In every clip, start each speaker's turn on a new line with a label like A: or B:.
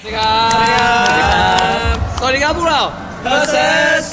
A: สวัสดีครับสวัสดีครับพวกเรา Versus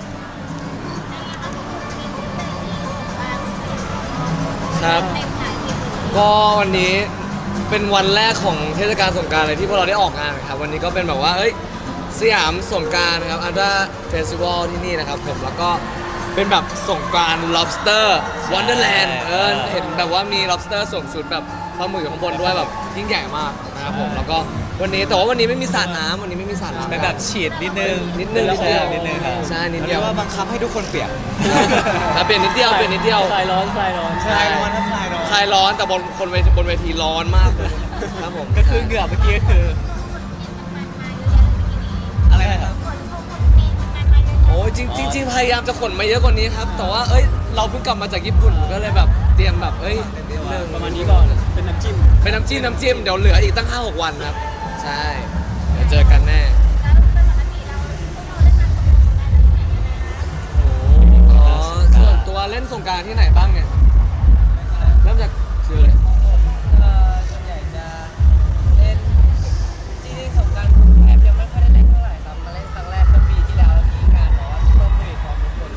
A: ครับก็วันนี้เป็นวันแรกของเทศกาลสงกรานต์เลยที่พวกเราได้ออกงานครับวันนี้ก็เป็นแบบว่าสยามสงกรานต์นะครับอันดาเฟสติวัลที่นี่นะครับผมแล้วก็เป็นแบบสงกรานต์ lobster wonderland เห็นแบบว่ามี lobster สวมชุดแบบปลาหมึกอยู่ข้างบนด้วยแบบยิ่งใหญ่มากนะครับผมแล้วก็วันนี้แต่ว่าวันนี้ไม่มีสระน้ำวันนี้ไม่มีสระน้ำ
B: เป็นแบบฉีดนิดนึง
A: นิดนึงครับใช่นิดเดียว
B: ว่าบังคับให้ทุกคนเปียก
A: เปลี่ยนนิดเดียว
C: คลายร้อน
B: คลายร้อนคลาย
A: ร้อนแต่บนเวทีร้อนมากเลยครับผม
B: ก็คือเหงื่อเมื่อกี้ก็คืออะไรนะครับ
A: โอ้จริงพยายามจะขนมาเยอะกว่านี้ครับแต่ว่าเราเพิ่งกลับมาจากญี่ปุ่นก็เลยแบบเตรียมแบบ
C: ประมาณนี้ก่อนเป็นน้ำจิ้ม
A: เดี๋ยวเหลืออีกตั้ง 5-6 วันครับใช่เดี๋ยวเจอกันแน่ส่วนตัวเล่นสงกรานต์ที่ไหนบ้างเนี่ยเริ่มจากชื่อเลย
D: ส่วนใหญ่จะเล่นจริงๆสงกรานต์กรุงเทพยังไม่ค่อยได้เล่นเท่าไหร่ครับมาเล่นครั้งแรกเมื่อปีที่แล้วมีงานแบบว่าซุปเปอร์โควิดของทุกคน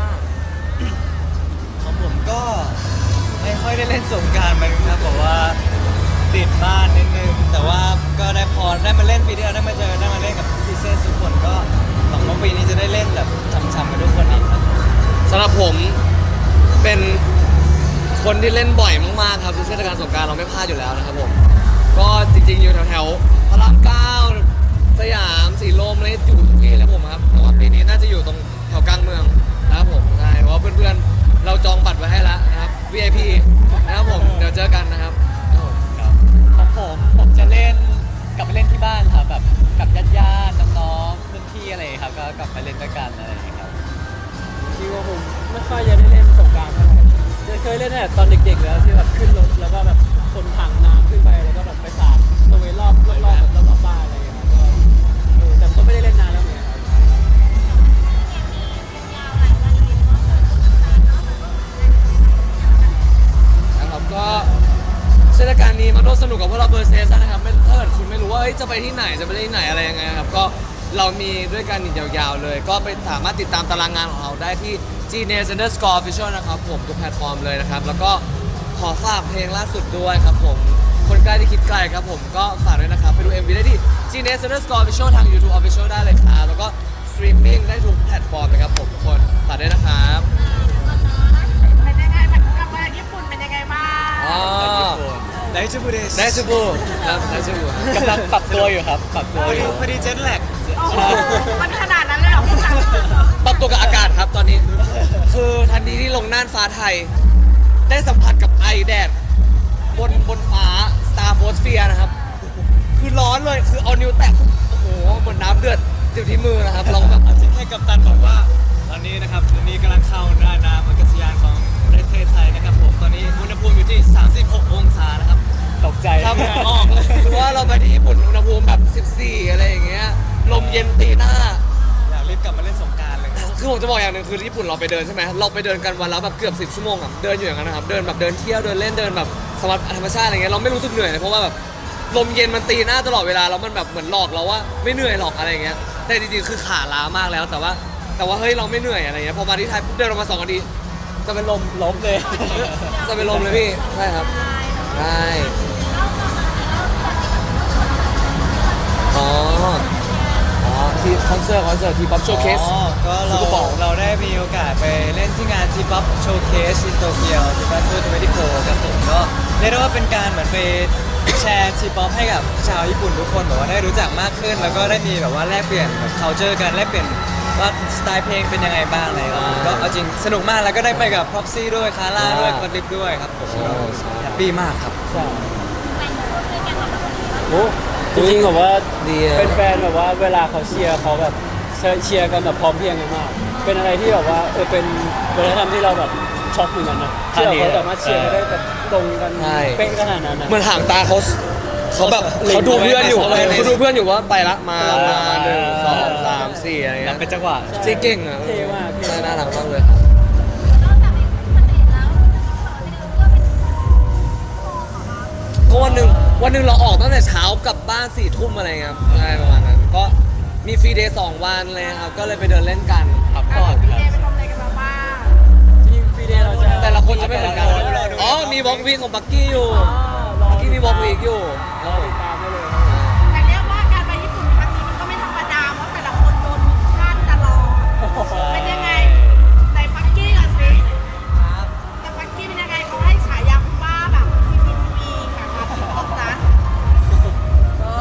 B: ของผมก็ไม่ค่อยได้เล่นสงกรานต์มันครับบอกว่าติดบ้านนิดนึงแต่ว่าก็ได้พอได้มาเล่นปีที่แล้วได้มาเจอได้มาเล่นกับพี่เซนทุกคนก็หวังว่าปีนี้จะได้เล่นแบบช้ำๆกับทุกคนอีกครับ
A: สำหรับผมเป็นคนที่เล่นบ่อยมากๆครับทุกเทศกาลสงกรานต์เราไม่พลาดอยู่แล้วนะครับผมก็จริงๆอยู่แถวๆพระราม9สยามสีลมอะไรอยู่ทุกที่แล้วผมครับแต่ว่าปีนี้น่าจะอยู่ตรงแถวกลางเมืองนะครับผมใช่เพราะเพื่อนๆเราจองบัตรไว้ให้แล้วนะครับ VIP นะครับผมเดี๋ยวเจอกันนะครับ
B: ของผมจะเล่นกลับไปเล่นที่บ้านครับแบบกับญาติๆน้องๆรุ่นพี่อะไรครับก็กลับไปเล่นด้วยกันอะไรอย่างเงี้ยครับ
C: จริงว่าผมไม่ค่อยจะได้เล่นสงกรานต์เท่าไหร่จะเคยเล่นแต่ตอนเด็กๆแล้วที่แบบขึ้นรถแล้วก็แบบคนถังน้ำขึ้นไปแล้วก็แบบไปสาดตัวเวรอบแบบรอบบ้านอะไรอย่างเงี้ยก็แต่ก็ไม่ได้เล่นนานแล้วเหมือนกัน
A: นะครับก็เทศกาลนี้มาร่วมสนุกกับพวกเราVersusนะครับถ้าเกิดคุณไม่รู้ว่าจะไปที่ไหนจะไปที่ไหนอะไรยังไงครับก็เรามีด้วยกันอีกยาวๆเลยก็ไปสามารถติดตามตารางงานของเราได้ที่ Genius_Official นะครับผมทุกแพลตฟอร์มเลยนะครับแล้วก็ขอฝากเพลงล่าสุดด้วยครับผมคนใกล้ที่คิดไกลครับผมก็ฝากด้วยนะครับไปดู MV ได้ที่ Genius_Official ทาง YouTube Official ได้เลยครับแล้วก็สตรีมมิ่งได้ทุกแพลตฟอร์มนะครับผมทุกคนฝากด้วยนะครับ
E: เป็นยังไงกลับมาญี่ปุ่นเป็นยังไงบ้าง
B: ได้จูบูเดส
A: ได้จูบูครับได้จูบู
B: กำลังปรับตัวอยู่ครับปรับตัวอยู่พอดีเจ็ตแลก
E: โอ้โหมันขนาดนั้นเลยเหรอพี่ตัง
A: ปรับตัวกับอากาศครับตอนนี้คือทันทีที่ลงน่านฟ้าไทยได้สัมผัสกับไอแดดบนฟ้า Starphosphere นะครับคือร้อนเลยคือเอานิ้วแตะโอ้โหเหมือนน้ำเดือดอยู่ที่มือนะครับลองแบบ
B: แค่กัปตันบอกว่าตอนนี้นะครับตอนนี้กำลังเข้าหน้าน้ำอากาศยานของประเทศไทยนะครับผมตอนนี้อุณหภูมิอยู่ที่36องศานะครับตกใจ
A: ครับออกคือว่าเราไปที่ญี่ปุ่นอุณหภูมิแบบ14อะไรอย่างเงี้ยลมเย็นตีหน้า
B: อยากรีบกลับมาเล่นสงกรานต์เลย
A: คือผมจะบอกอย่างหนึ่งคือญี่ปุ่นเราไปเดินใช่ไหมเราไปเดินกันวันละแบบเกือบ10 ชั่วโมงอ่ะเดินอยู่อย่างนั้นนะครับเดินแบบเดินเที่ยวเดินเล่นเดินแบบสมัครธรรมชาติอะไรเงี้ยเราไม่รู้สึกเหนื่อยเลยเพราะว่าแบบลมเย็นมันตีหน้าตลอดเวลาแล้วมันแบบเหมือนหลอกเราว่าไม่เหนื่อยหรอกอะไรเงี้ยแต่จริงๆคือขาล้ามากแล้วแต่ว่าเฮ้ยเราไม่เหนื่อยอะไรเงี้ยพอมาที่ไทยเดินออกมา2 นาทีจะเป็นลม
B: เลย
A: จะเป็นลมเลยพี่ใช่ครับใช่ที่คอนเสิร์ตทีป๊อปโชว์เคส
B: ก็เราได้มีโอกาสไปเล่นที่งานทีป๊อปโชว์เคสที่โตเกียวที่บาซู24ครับผมก็เรียกได้ว่าเป็นการเหมือนไปแชร์ทีป๊อปให้กับชาวญี่ปุ่นทุกคนแบบว่าได้รู้จักมากขึ้นแล้วก็ได้มีแบบว่าแลกเปลี่ยนแบบ culture กันแลกเปลี่ยนว่าสไตล์เพลงเป็นยังไงบ้างอะไรก็เอาจริงสนุกมากแล้วก็ได้ไปกับพ็อกซี่ด้วยคาร่าด้วยคอนดิปด้วยครับผมแฮปปี้มากครับ
C: โอ้จริงๆแบบว่าเป็นแฟนแบบว่าเวลาเขาเชียร์เขาแบบเชียร์กันแบบพร้อมเพรียงกันมากเป็นอะไรที่แบบว่าเป็นวัฒนธรรมที่เราแบบช็อกเหมือนกันนะที่เขาสามารถเชียร์ได้แบบตรงกันเป๊ะขนาดนั้นนะ
A: เหมือนห่างตาเขาแบบเขาดูเพื่อนอยู่ว่าไปละมา1 2 3 4อะไรเงี้ย
B: เป็นจังหวะ
A: เก่งอ่ะ
C: เท่มาก
A: น่ารักมากเลยก็วันหนึ่งวันหนึ่งเราออกตั้งแต่เช้ากลับบ้าน4 ทุ่มอะไรเงี้ยครับใช่ประมาณนั้นก็มีฟรีเดย์2 วันเลยครับก็เลยไปเดินเล่นกัน
B: พักผ่อน
E: พี่
B: ค
E: เด
B: รับ
E: ย์ไปทำอะไรกันมาบ้าง
C: จริงฟรีเดย์เราจะ
A: แต่ละคนจะไม่เหมือนกัน
B: รอดู
A: อ๋อมีวอล์กวีคของบักกี้อยู่
C: รอ
A: บักกี้มีวอล์กวีคอยู่
C: รอติดตามได้เลย
E: แต่เรียกว่าการไปญี่ปุ่นครั้งนี้มันก็ไม่ธรรมดาเพราะแต่ละคนโดนมิชชั่นตลอดเป็นยังไงในปักกี้ก่อนสิ
D: ครับ
E: แต่ปักกี้เป็นยังไงเขาให้ฉายาคุณป้าแบบทีค่ะมาที่ตกนะ
D: ก็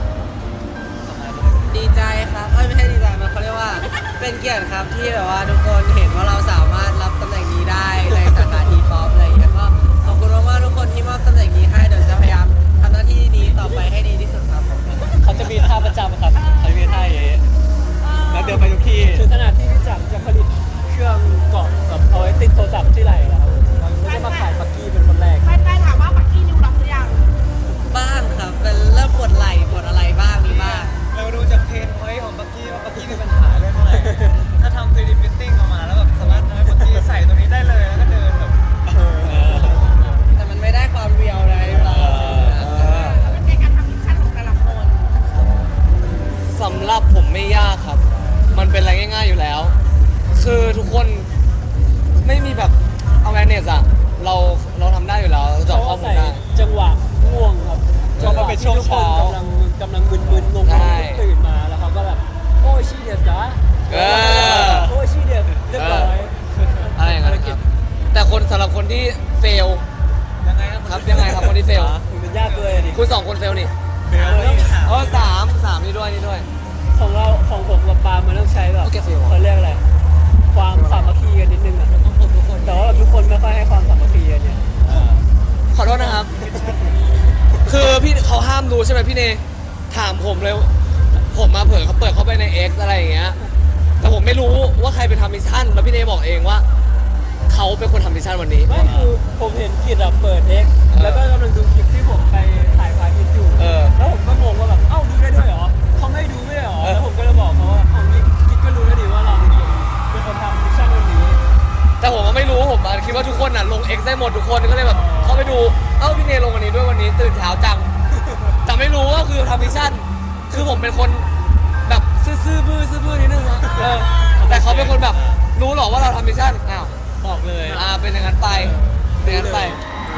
D: ดีใจครับไม่ใช่ดีใจมันเขาเรียกว่าเป็นเกียรติครับที่แบบว่าทุกคนเห็นว่าเราสามารถรับตำแหน่งนี้ได้ในสาขาทีป๊อปอะไรอย่างเงี้ยก็ขอบคุณมากๆทุกคนที่มอบตำแหน่งนี้ให้เดี๋ยวจะพยายามทำหน้าที่นี้ต่อไปให้ดีที่สุดครับผม
B: เขาจะมีท่าประจำครับเขาจะมีท่าอย่างนี้แล้วเดินไปทุกที่
C: ถึงขนาดที่พี่จักรจะผลิตเครื่องเกาะแบบเอาไว้ติดโทรศัพท์ที่ไหล่แล้วครับเราก็จะมาขายปักกี้เป็นคนแรก
E: แฟนๆถามว่าปักกี้นิวล็อกหรือยัง
D: บ้างครับเป็นเริ่มปวดไหล่ปวดอะไรบ้างมีบ้าง
B: เราดูจากเพนพอยต์ของปักกี้ว่าปักกี้มีปัญหาเรื่องอะไร ถ้าทำ 3D printing ออกมาแล้วแบบสามารถทำให้ปักกี้ใส่ตัวนี้ได้เลยแล้วก็เดินแบบ
D: แต่มันไม่ได้ความเรียวเลยเรา
E: เป็นไงการทำมิชชั่นของแต่ละคน
A: สำหรับผมไม่ยากครับ มันเป็นอะไรง่าย ๆอยู่แล้ว คือทุกคนไม่มีแบบ awareness อะเราทำได้อยู่แล้วเราเจาะข้อมูล
C: ใส่
A: ได้
C: จังหวะง่วงครับ
B: เพราะมันเป็นช่วงเช้า
C: จังหวะที่ทุกคนกำลังมึนๆงง
A: ใช่
C: ๆตื่นมาแล้วเขาก็แบบโอ้ชีเดียสจ้า
A: เออ
C: โอ้ชีเดียสเรียบร้อย
A: อะไรอย่างเงี้ยครับ แต่คนสำหรับคนที่เฟล
B: ยังไงครับ
A: ครับยังไงครับคนที่เฟล
C: มันยากเลยดิ
A: คุณ2 คนเฟลนี่
B: เดี๋ยวเราถาม
A: อ๋อสามนี่ด้วยนี่ด้วย
C: ของเราของผมกับปาล์มมันต้องใช้แบบ
A: โอเคฟิล
C: เขาเรียกอะไรความสามัคคีกันนิดนึงอะแต่ว่าทุกคนไม่ค่อยให้ความสามัคคีกันเนี่ย
A: ขอโทษนะครับ คือพี่เขาห้ามดูใช่ไหมพี่เนถามผมเลย ผมมาเผื่อเขาเปิดเข้าไปใน X อะไรอย่างเงี้ย แต่ผมไม่รู้ว่าใครเป็นทำมิชชั่น แล้วพี่เนบอกเองว่า เขาเป็นคนทำมิชชั่นวันนี้
C: ไม่คือผมเห็นกิจอะเปิด X แล้วก็กำลังดูคลิปที่ผมไปถ่ายพาร์ทอยู่
A: เออ
C: แล้วผมก็งงว่าแบบเอ้าดูได้ด้วยเหรอเขาไม่ดูไม่ได้เหรอแล้วผมก็เลยบอกเขาว่าเอางี้กิจก็รู้แล้วดิว่าเราเป็นคนทำมิชชั่นวันนี้
A: แต่ผมก็ไม่รู้ผมอะคิดว่าทุกคนอ่ะลง X ได้หมดทุกคนก็เลยแบบเข้าไปดู เอ้าพี่เนลงวันนี้ด้วยวันนี้ตื่นเช้าจัง แต่ไม่รู้ว่าคือทำมิชชั่น คือผมเป็นคนแบบซื่อๆบื้อนิดนึงนะแต่เขาเป็นคนแบบรู้หรอว่าเราทำมิชชั่น อ้าว
B: บอกเลย
A: เป็นอย่างนั้นไปเป็นอย่างนั้นไป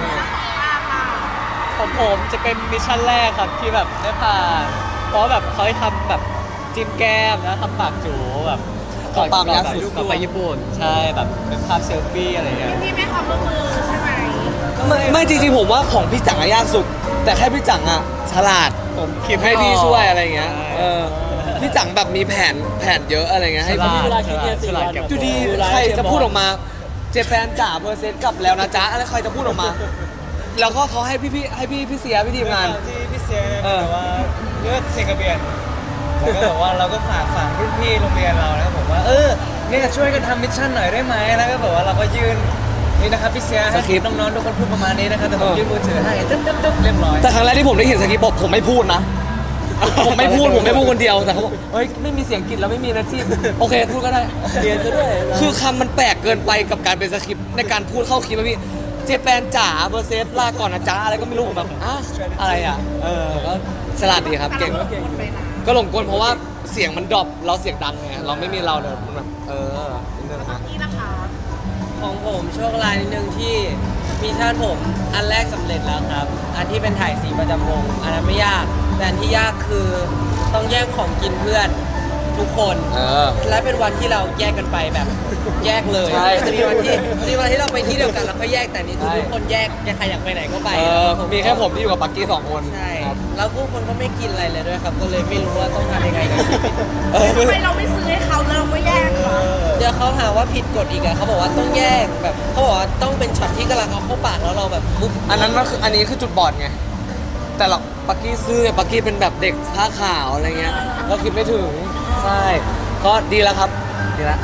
B: ของผมจะเป็นมิชชั่นแรกครับที่แบบได้ผ่านเพราะแบบเขาให้ทำแบบจิ้มแก้มแล้วทำปากจูแบบ
A: ของปากยักษ์
B: ก่อนไปญี่ปุ่นใช่แบบเป็นภาพเซลฟี่อะไรเงี้ย
E: พี่ไม่ความร่วมมือใช่ไหม
A: ไม่จริงๆผมว่าของพี่จังอะยากสุด แต่แค่พี่จังอะฉลาด
B: ผมคิด
A: ให้พี่ช่วยอะไรเงี้ย
B: ใช่
A: พี่จังแบบมีแผนเยอะอะไรเงี้ยให้
B: ฉลาด
C: เวลาคิดเนี่ย
B: ฉลาดเก็บ
A: ดูดีใครจะพูดออกมา เจแปนจ๋าเปอร์เซ็นต์กลับแล้วนะจ๊ะอะไรใครจะพูดออกมา แล้วก็เขาให้พี่เสียพี่ทีมงาน
B: ที่พี่เซียเนี่ย
A: เออ
B: แบบว่าเลือดเซกระเบียนแล้วก็แบบว่าเราก็ฝากรุ่นพี่โรงเรียนเรานะครับผมว่าเนี่ยช่วยกันทำมิชชั่นหน่อยได้ไหมแล้วก็แบบว่าเราก็ยื่นนี่นะครับพี่เซียให้น้องๆทุกคนพูดประมาณนี้นะครับแต่ผมยื่นมือถือให้ตึ๊บเรียบร้อย
A: แต่ครั้งแรกที่ผมได้เห็นสคริปต์ผมไม่พูดนะ ผมไม่พูดคนเดียวแต่เขาบอกเฮ้ยไม่มีเสียงกรีดแล้วไม่มีนะที่โอเคพูดก็ได้
C: เรียนซะด้วย
A: คือคำมันแปลกเกินไปกับการเป็นสคริปต์ในการพูดเข้าคลิปอะพี่เจแปนจ๋าเบอร์เซสลาก่อนนะจ๊ะอะไรก็ไม่รู้ผมแบบอะไรอ่ะก็ฉลาดดีครับเก่ง
E: คนไปนะ
A: ก็หลงกลเพราะว่าเสียงมันดรอปเราเสียงดังไงเราไม่มีเราเลยมันแบบนิดนึงนะ
E: นี่นะคะ
D: ของผมโชคร้ายนิดนึงที่มิชชั่นผมอันแรกสำเร็จแล้วครับ อันที่เป็นถ่ายสีประจำวงอันนั้นไม่ยาก แต่อันที่ยากคือต้องแย่งของกินเพื่อนทุกคน และเป็นวันที่เราแยกกันไปแบบแยกเลย
A: ใช่
D: จะมีวันที่เราไปที่เดียวกันแล้วก็แยกแต่นี่คือทุกคนแยกใครอยากไปไหนก็ไป
A: มีแค่ผมที่อยู่กับปักกี้2 คน
D: ใช่
A: ครับ
D: แล้วผู้คนก็ไม่กินอะไรเลยด้วยครับ ก็เลยไม่รู้ว่าต้องทำยังไงกับชีวิต
E: ทำไมเราไม่ซื้อให้เขาแล้วเราก็แยกเขา
D: เดี๋ยวเขาหาว่าผิดกฎอีกอะเขาบอกว่าต้องแยกแบบเขาบอกว่าต้องเป็นช็อตที่กำลังเอาเข้าปากแล้วเราแบบปุ๊บ
A: อันนี้คือจุดบอดไงแต่เราปักกี้ซื้อปักกี้เป็นแบบเด็กผ้าขาวอะไรเงี้ยเราคิดไม่ถึงใช่ก็ดีแล้วครับดีแล้ว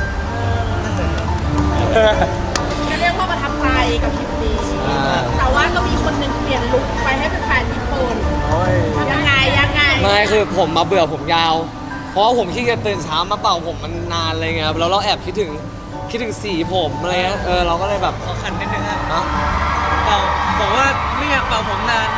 E: จะเรียกว่าประทับใจกับคลิปนี้ แต่ว่าก็มีคนหนึ่งเปลี่ยนลุคไปให้เป็นแฟนญี่ปุ่นยังไง
A: ไม่คือผมมาเบื่อผมยาว เพราะว่าผมขี้เกียจตื่นเช้ามาเป่าผมมันนานอะไรเงี้ยครับแล้วเราแอบคิดถึงสีผมอะไรเงี้ยเราก็เลยแบบ
B: ขอขันนิดนึงครับ
A: เนาะ
B: เป่าบอกว่าไม่อยากเป่าผมนาน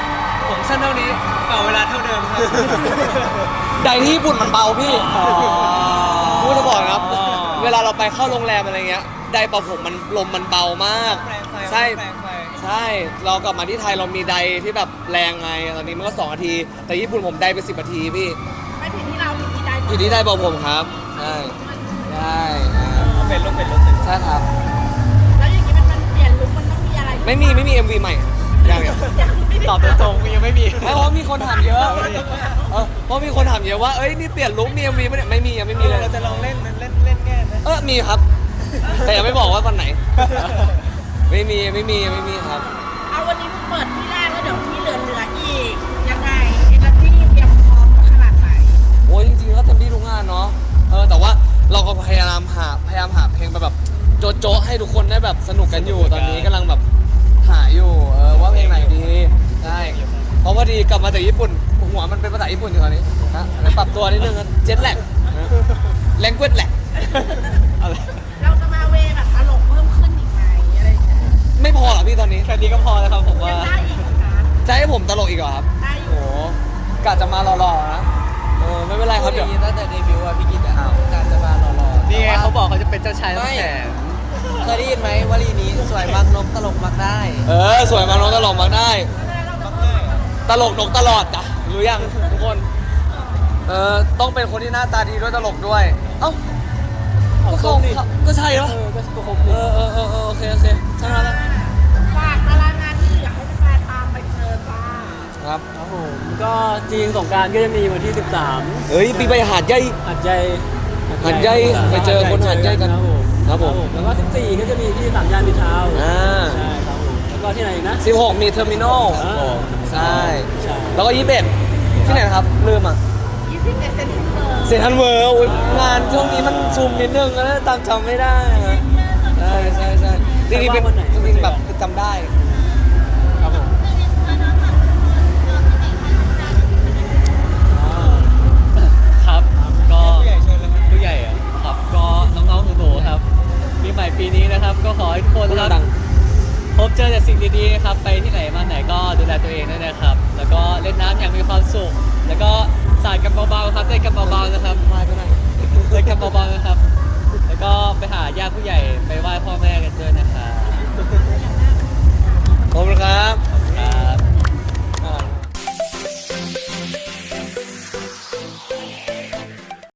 B: ผมสั้นเท่านี้เป่าเวลาเท่าเดิมครับ
A: ไดที่ญี่ปุ่นมันเบาพี่พูดจะบอกนะครับ
B: อ๋อ
A: เวลาเราไปเข้าโรงแรมอะไรเงี้ยไดเป่าผมมันลมมันเบามาก ใช่ ใช่ เรากลับมาที่ไทยเรามีไดที่แบบแรงไง ตอนนี้มันก็2 นาที แต่ญี่ปุ่นผมไดไป10 นาทีพี่
E: ไม่ผิดที่เราผิดที่ใด
A: อยู่ที่ไดเป่าผมครับ ใช่ ใช่ครับ
B: เป็นลูกเป็นลูกเป็น
A: ใช่ครับ
E: แล้วอย่างนี้มันเปลี่ยนลุคมันต้องมีอะไร
A: ไม่มี MV ใหม่ยังเนี่ย
B: ตอบตรงๆยังไม่มี
A: ไม่เพราะมีคนถามเยอะเพราะมีคนถามเยอะว่า เอ้ย นี่เปลี่ยนลุคมี MV ไหมเนี่ยไม่มียังไม่มีเลย
B: เราจะลองเล่นแง่นะ
A: มีครับ แต่ยังไม่บอกว่าวันไหน ไม่มีครับ
E: เอาวันนี้เพิ่งเปิดที่แรกแล้วเดี๋ยวที่เหลืออีกยังไงเอเนอร์จี้เตรียมพร้อมขนาดไหน
A: โอ้ยจริงๆก็เต็มที่ทุกงานเนาะแต่ว่าเราก็พยายามหาเพลงไปแบบโจ๊ะๆให้ทุกคนได้แบบสนุกกันอยู่ตอนนี้กำลังแบบหาอยู่ว่าเพลงไหนดีใช่เพราะว่าดีกลับมาจากญี่ปุ่นหัวมันเป็นภาษาญี่ปุ่นอยู่ตอนนี้นะเลยปรับตัวนิดนึงเจ็ตแลกแลงเกจแลก
B: อะไร
E: เราจะมาเวแบบตลกเพิ่มขึ้นอีกไหมอะไรอย่างเงี้ย
A: ไม่พอหรอพี่ตอนนี้
B: แค่นี้ก็พอแล้วครับผมว่า
E: ยังได้อีกเหรอคะ
A: จะให้ผมตลกอีกเหรอครับ
E: ได้อ
A: โอ้
E: ยู่
A: โหกะจะมาหล่อๆนะไม่เป็นไรครับเดี๋ยว
D: ตั้งแต่เดบิวต์อะพี่กิตอะการจะมาหล่อๆ
B: นี่ไงเขาบอกเขาจะเป็นเจ้าชาย
D: ไม่
B: น้ำแข็ง
D: เคยได้ยินไหมวลีนี้สวยมักนกตลกมักได้
A: สวยมากน้องตลกมากได้
E: เราจะ
A: ตลกนกตลอดจ้ะรู้ยังทุกคน ต้องเป็นคนที่หน้าตาดีด้วยตลกด้วย เอ้าก็เขาก็ใช่เหรอ
C: ก็ครบดี
A: โอเคใช่ไหมล่ะ
E: ฝากตารางงานที่เหลือให้แฟนๆตามไปเจอจ้า
A: ครับ
C: ครับผมก็จริงสงกรารก็จะมีวันที่ 13
A: เฮ้ยปีไปหาดใหญ่
C: หัดใหญ่
A: หาดใหญ่ไปเจอคนหาดใหญ่กัน
C: ครับผมแล้วก็14ก็จะมีที่สามย่านมิตรทาวน์
A: อ่า
C: ใช่ครับผมแล้วก็ที่ไหนอีกนะ
A: 16มีเทอร์มินอล ใช่
C: ใช่
A: แล้วก็21ที่ไหนนะครับลืมอ่ะ
E: 20เซนติเมตร
A: เซนทรัลเวิลด์งานช่วงนี้มันซูมนิดนึงแล้วตามจำไม่ได้อะใช่จริงๆเป็นจริงๆแบบจำได้
C: ครับผม
B: ครับก็ผู้ใหญ่เชิญเลยผู้ใหญ่อะครับก็น้องๆหนูๆครับปีใหม่ปีนี้นะครับ ก็ขอให้ทุกคนนะครับ
A: ดัง
B: พบเจอแต่สิ่งดีๆนะครับไปที่ไหนมาไหนก็ดูแลตัวเองด้วยนะครับ แล้วก็เล่นน้ำอย่างมีความสุข แล้วก็สาดกันเบาๆครับเล่นกันเบาๆนะครับ
A: มาก็ได้
B: เล่นกันเบาๆนะครับ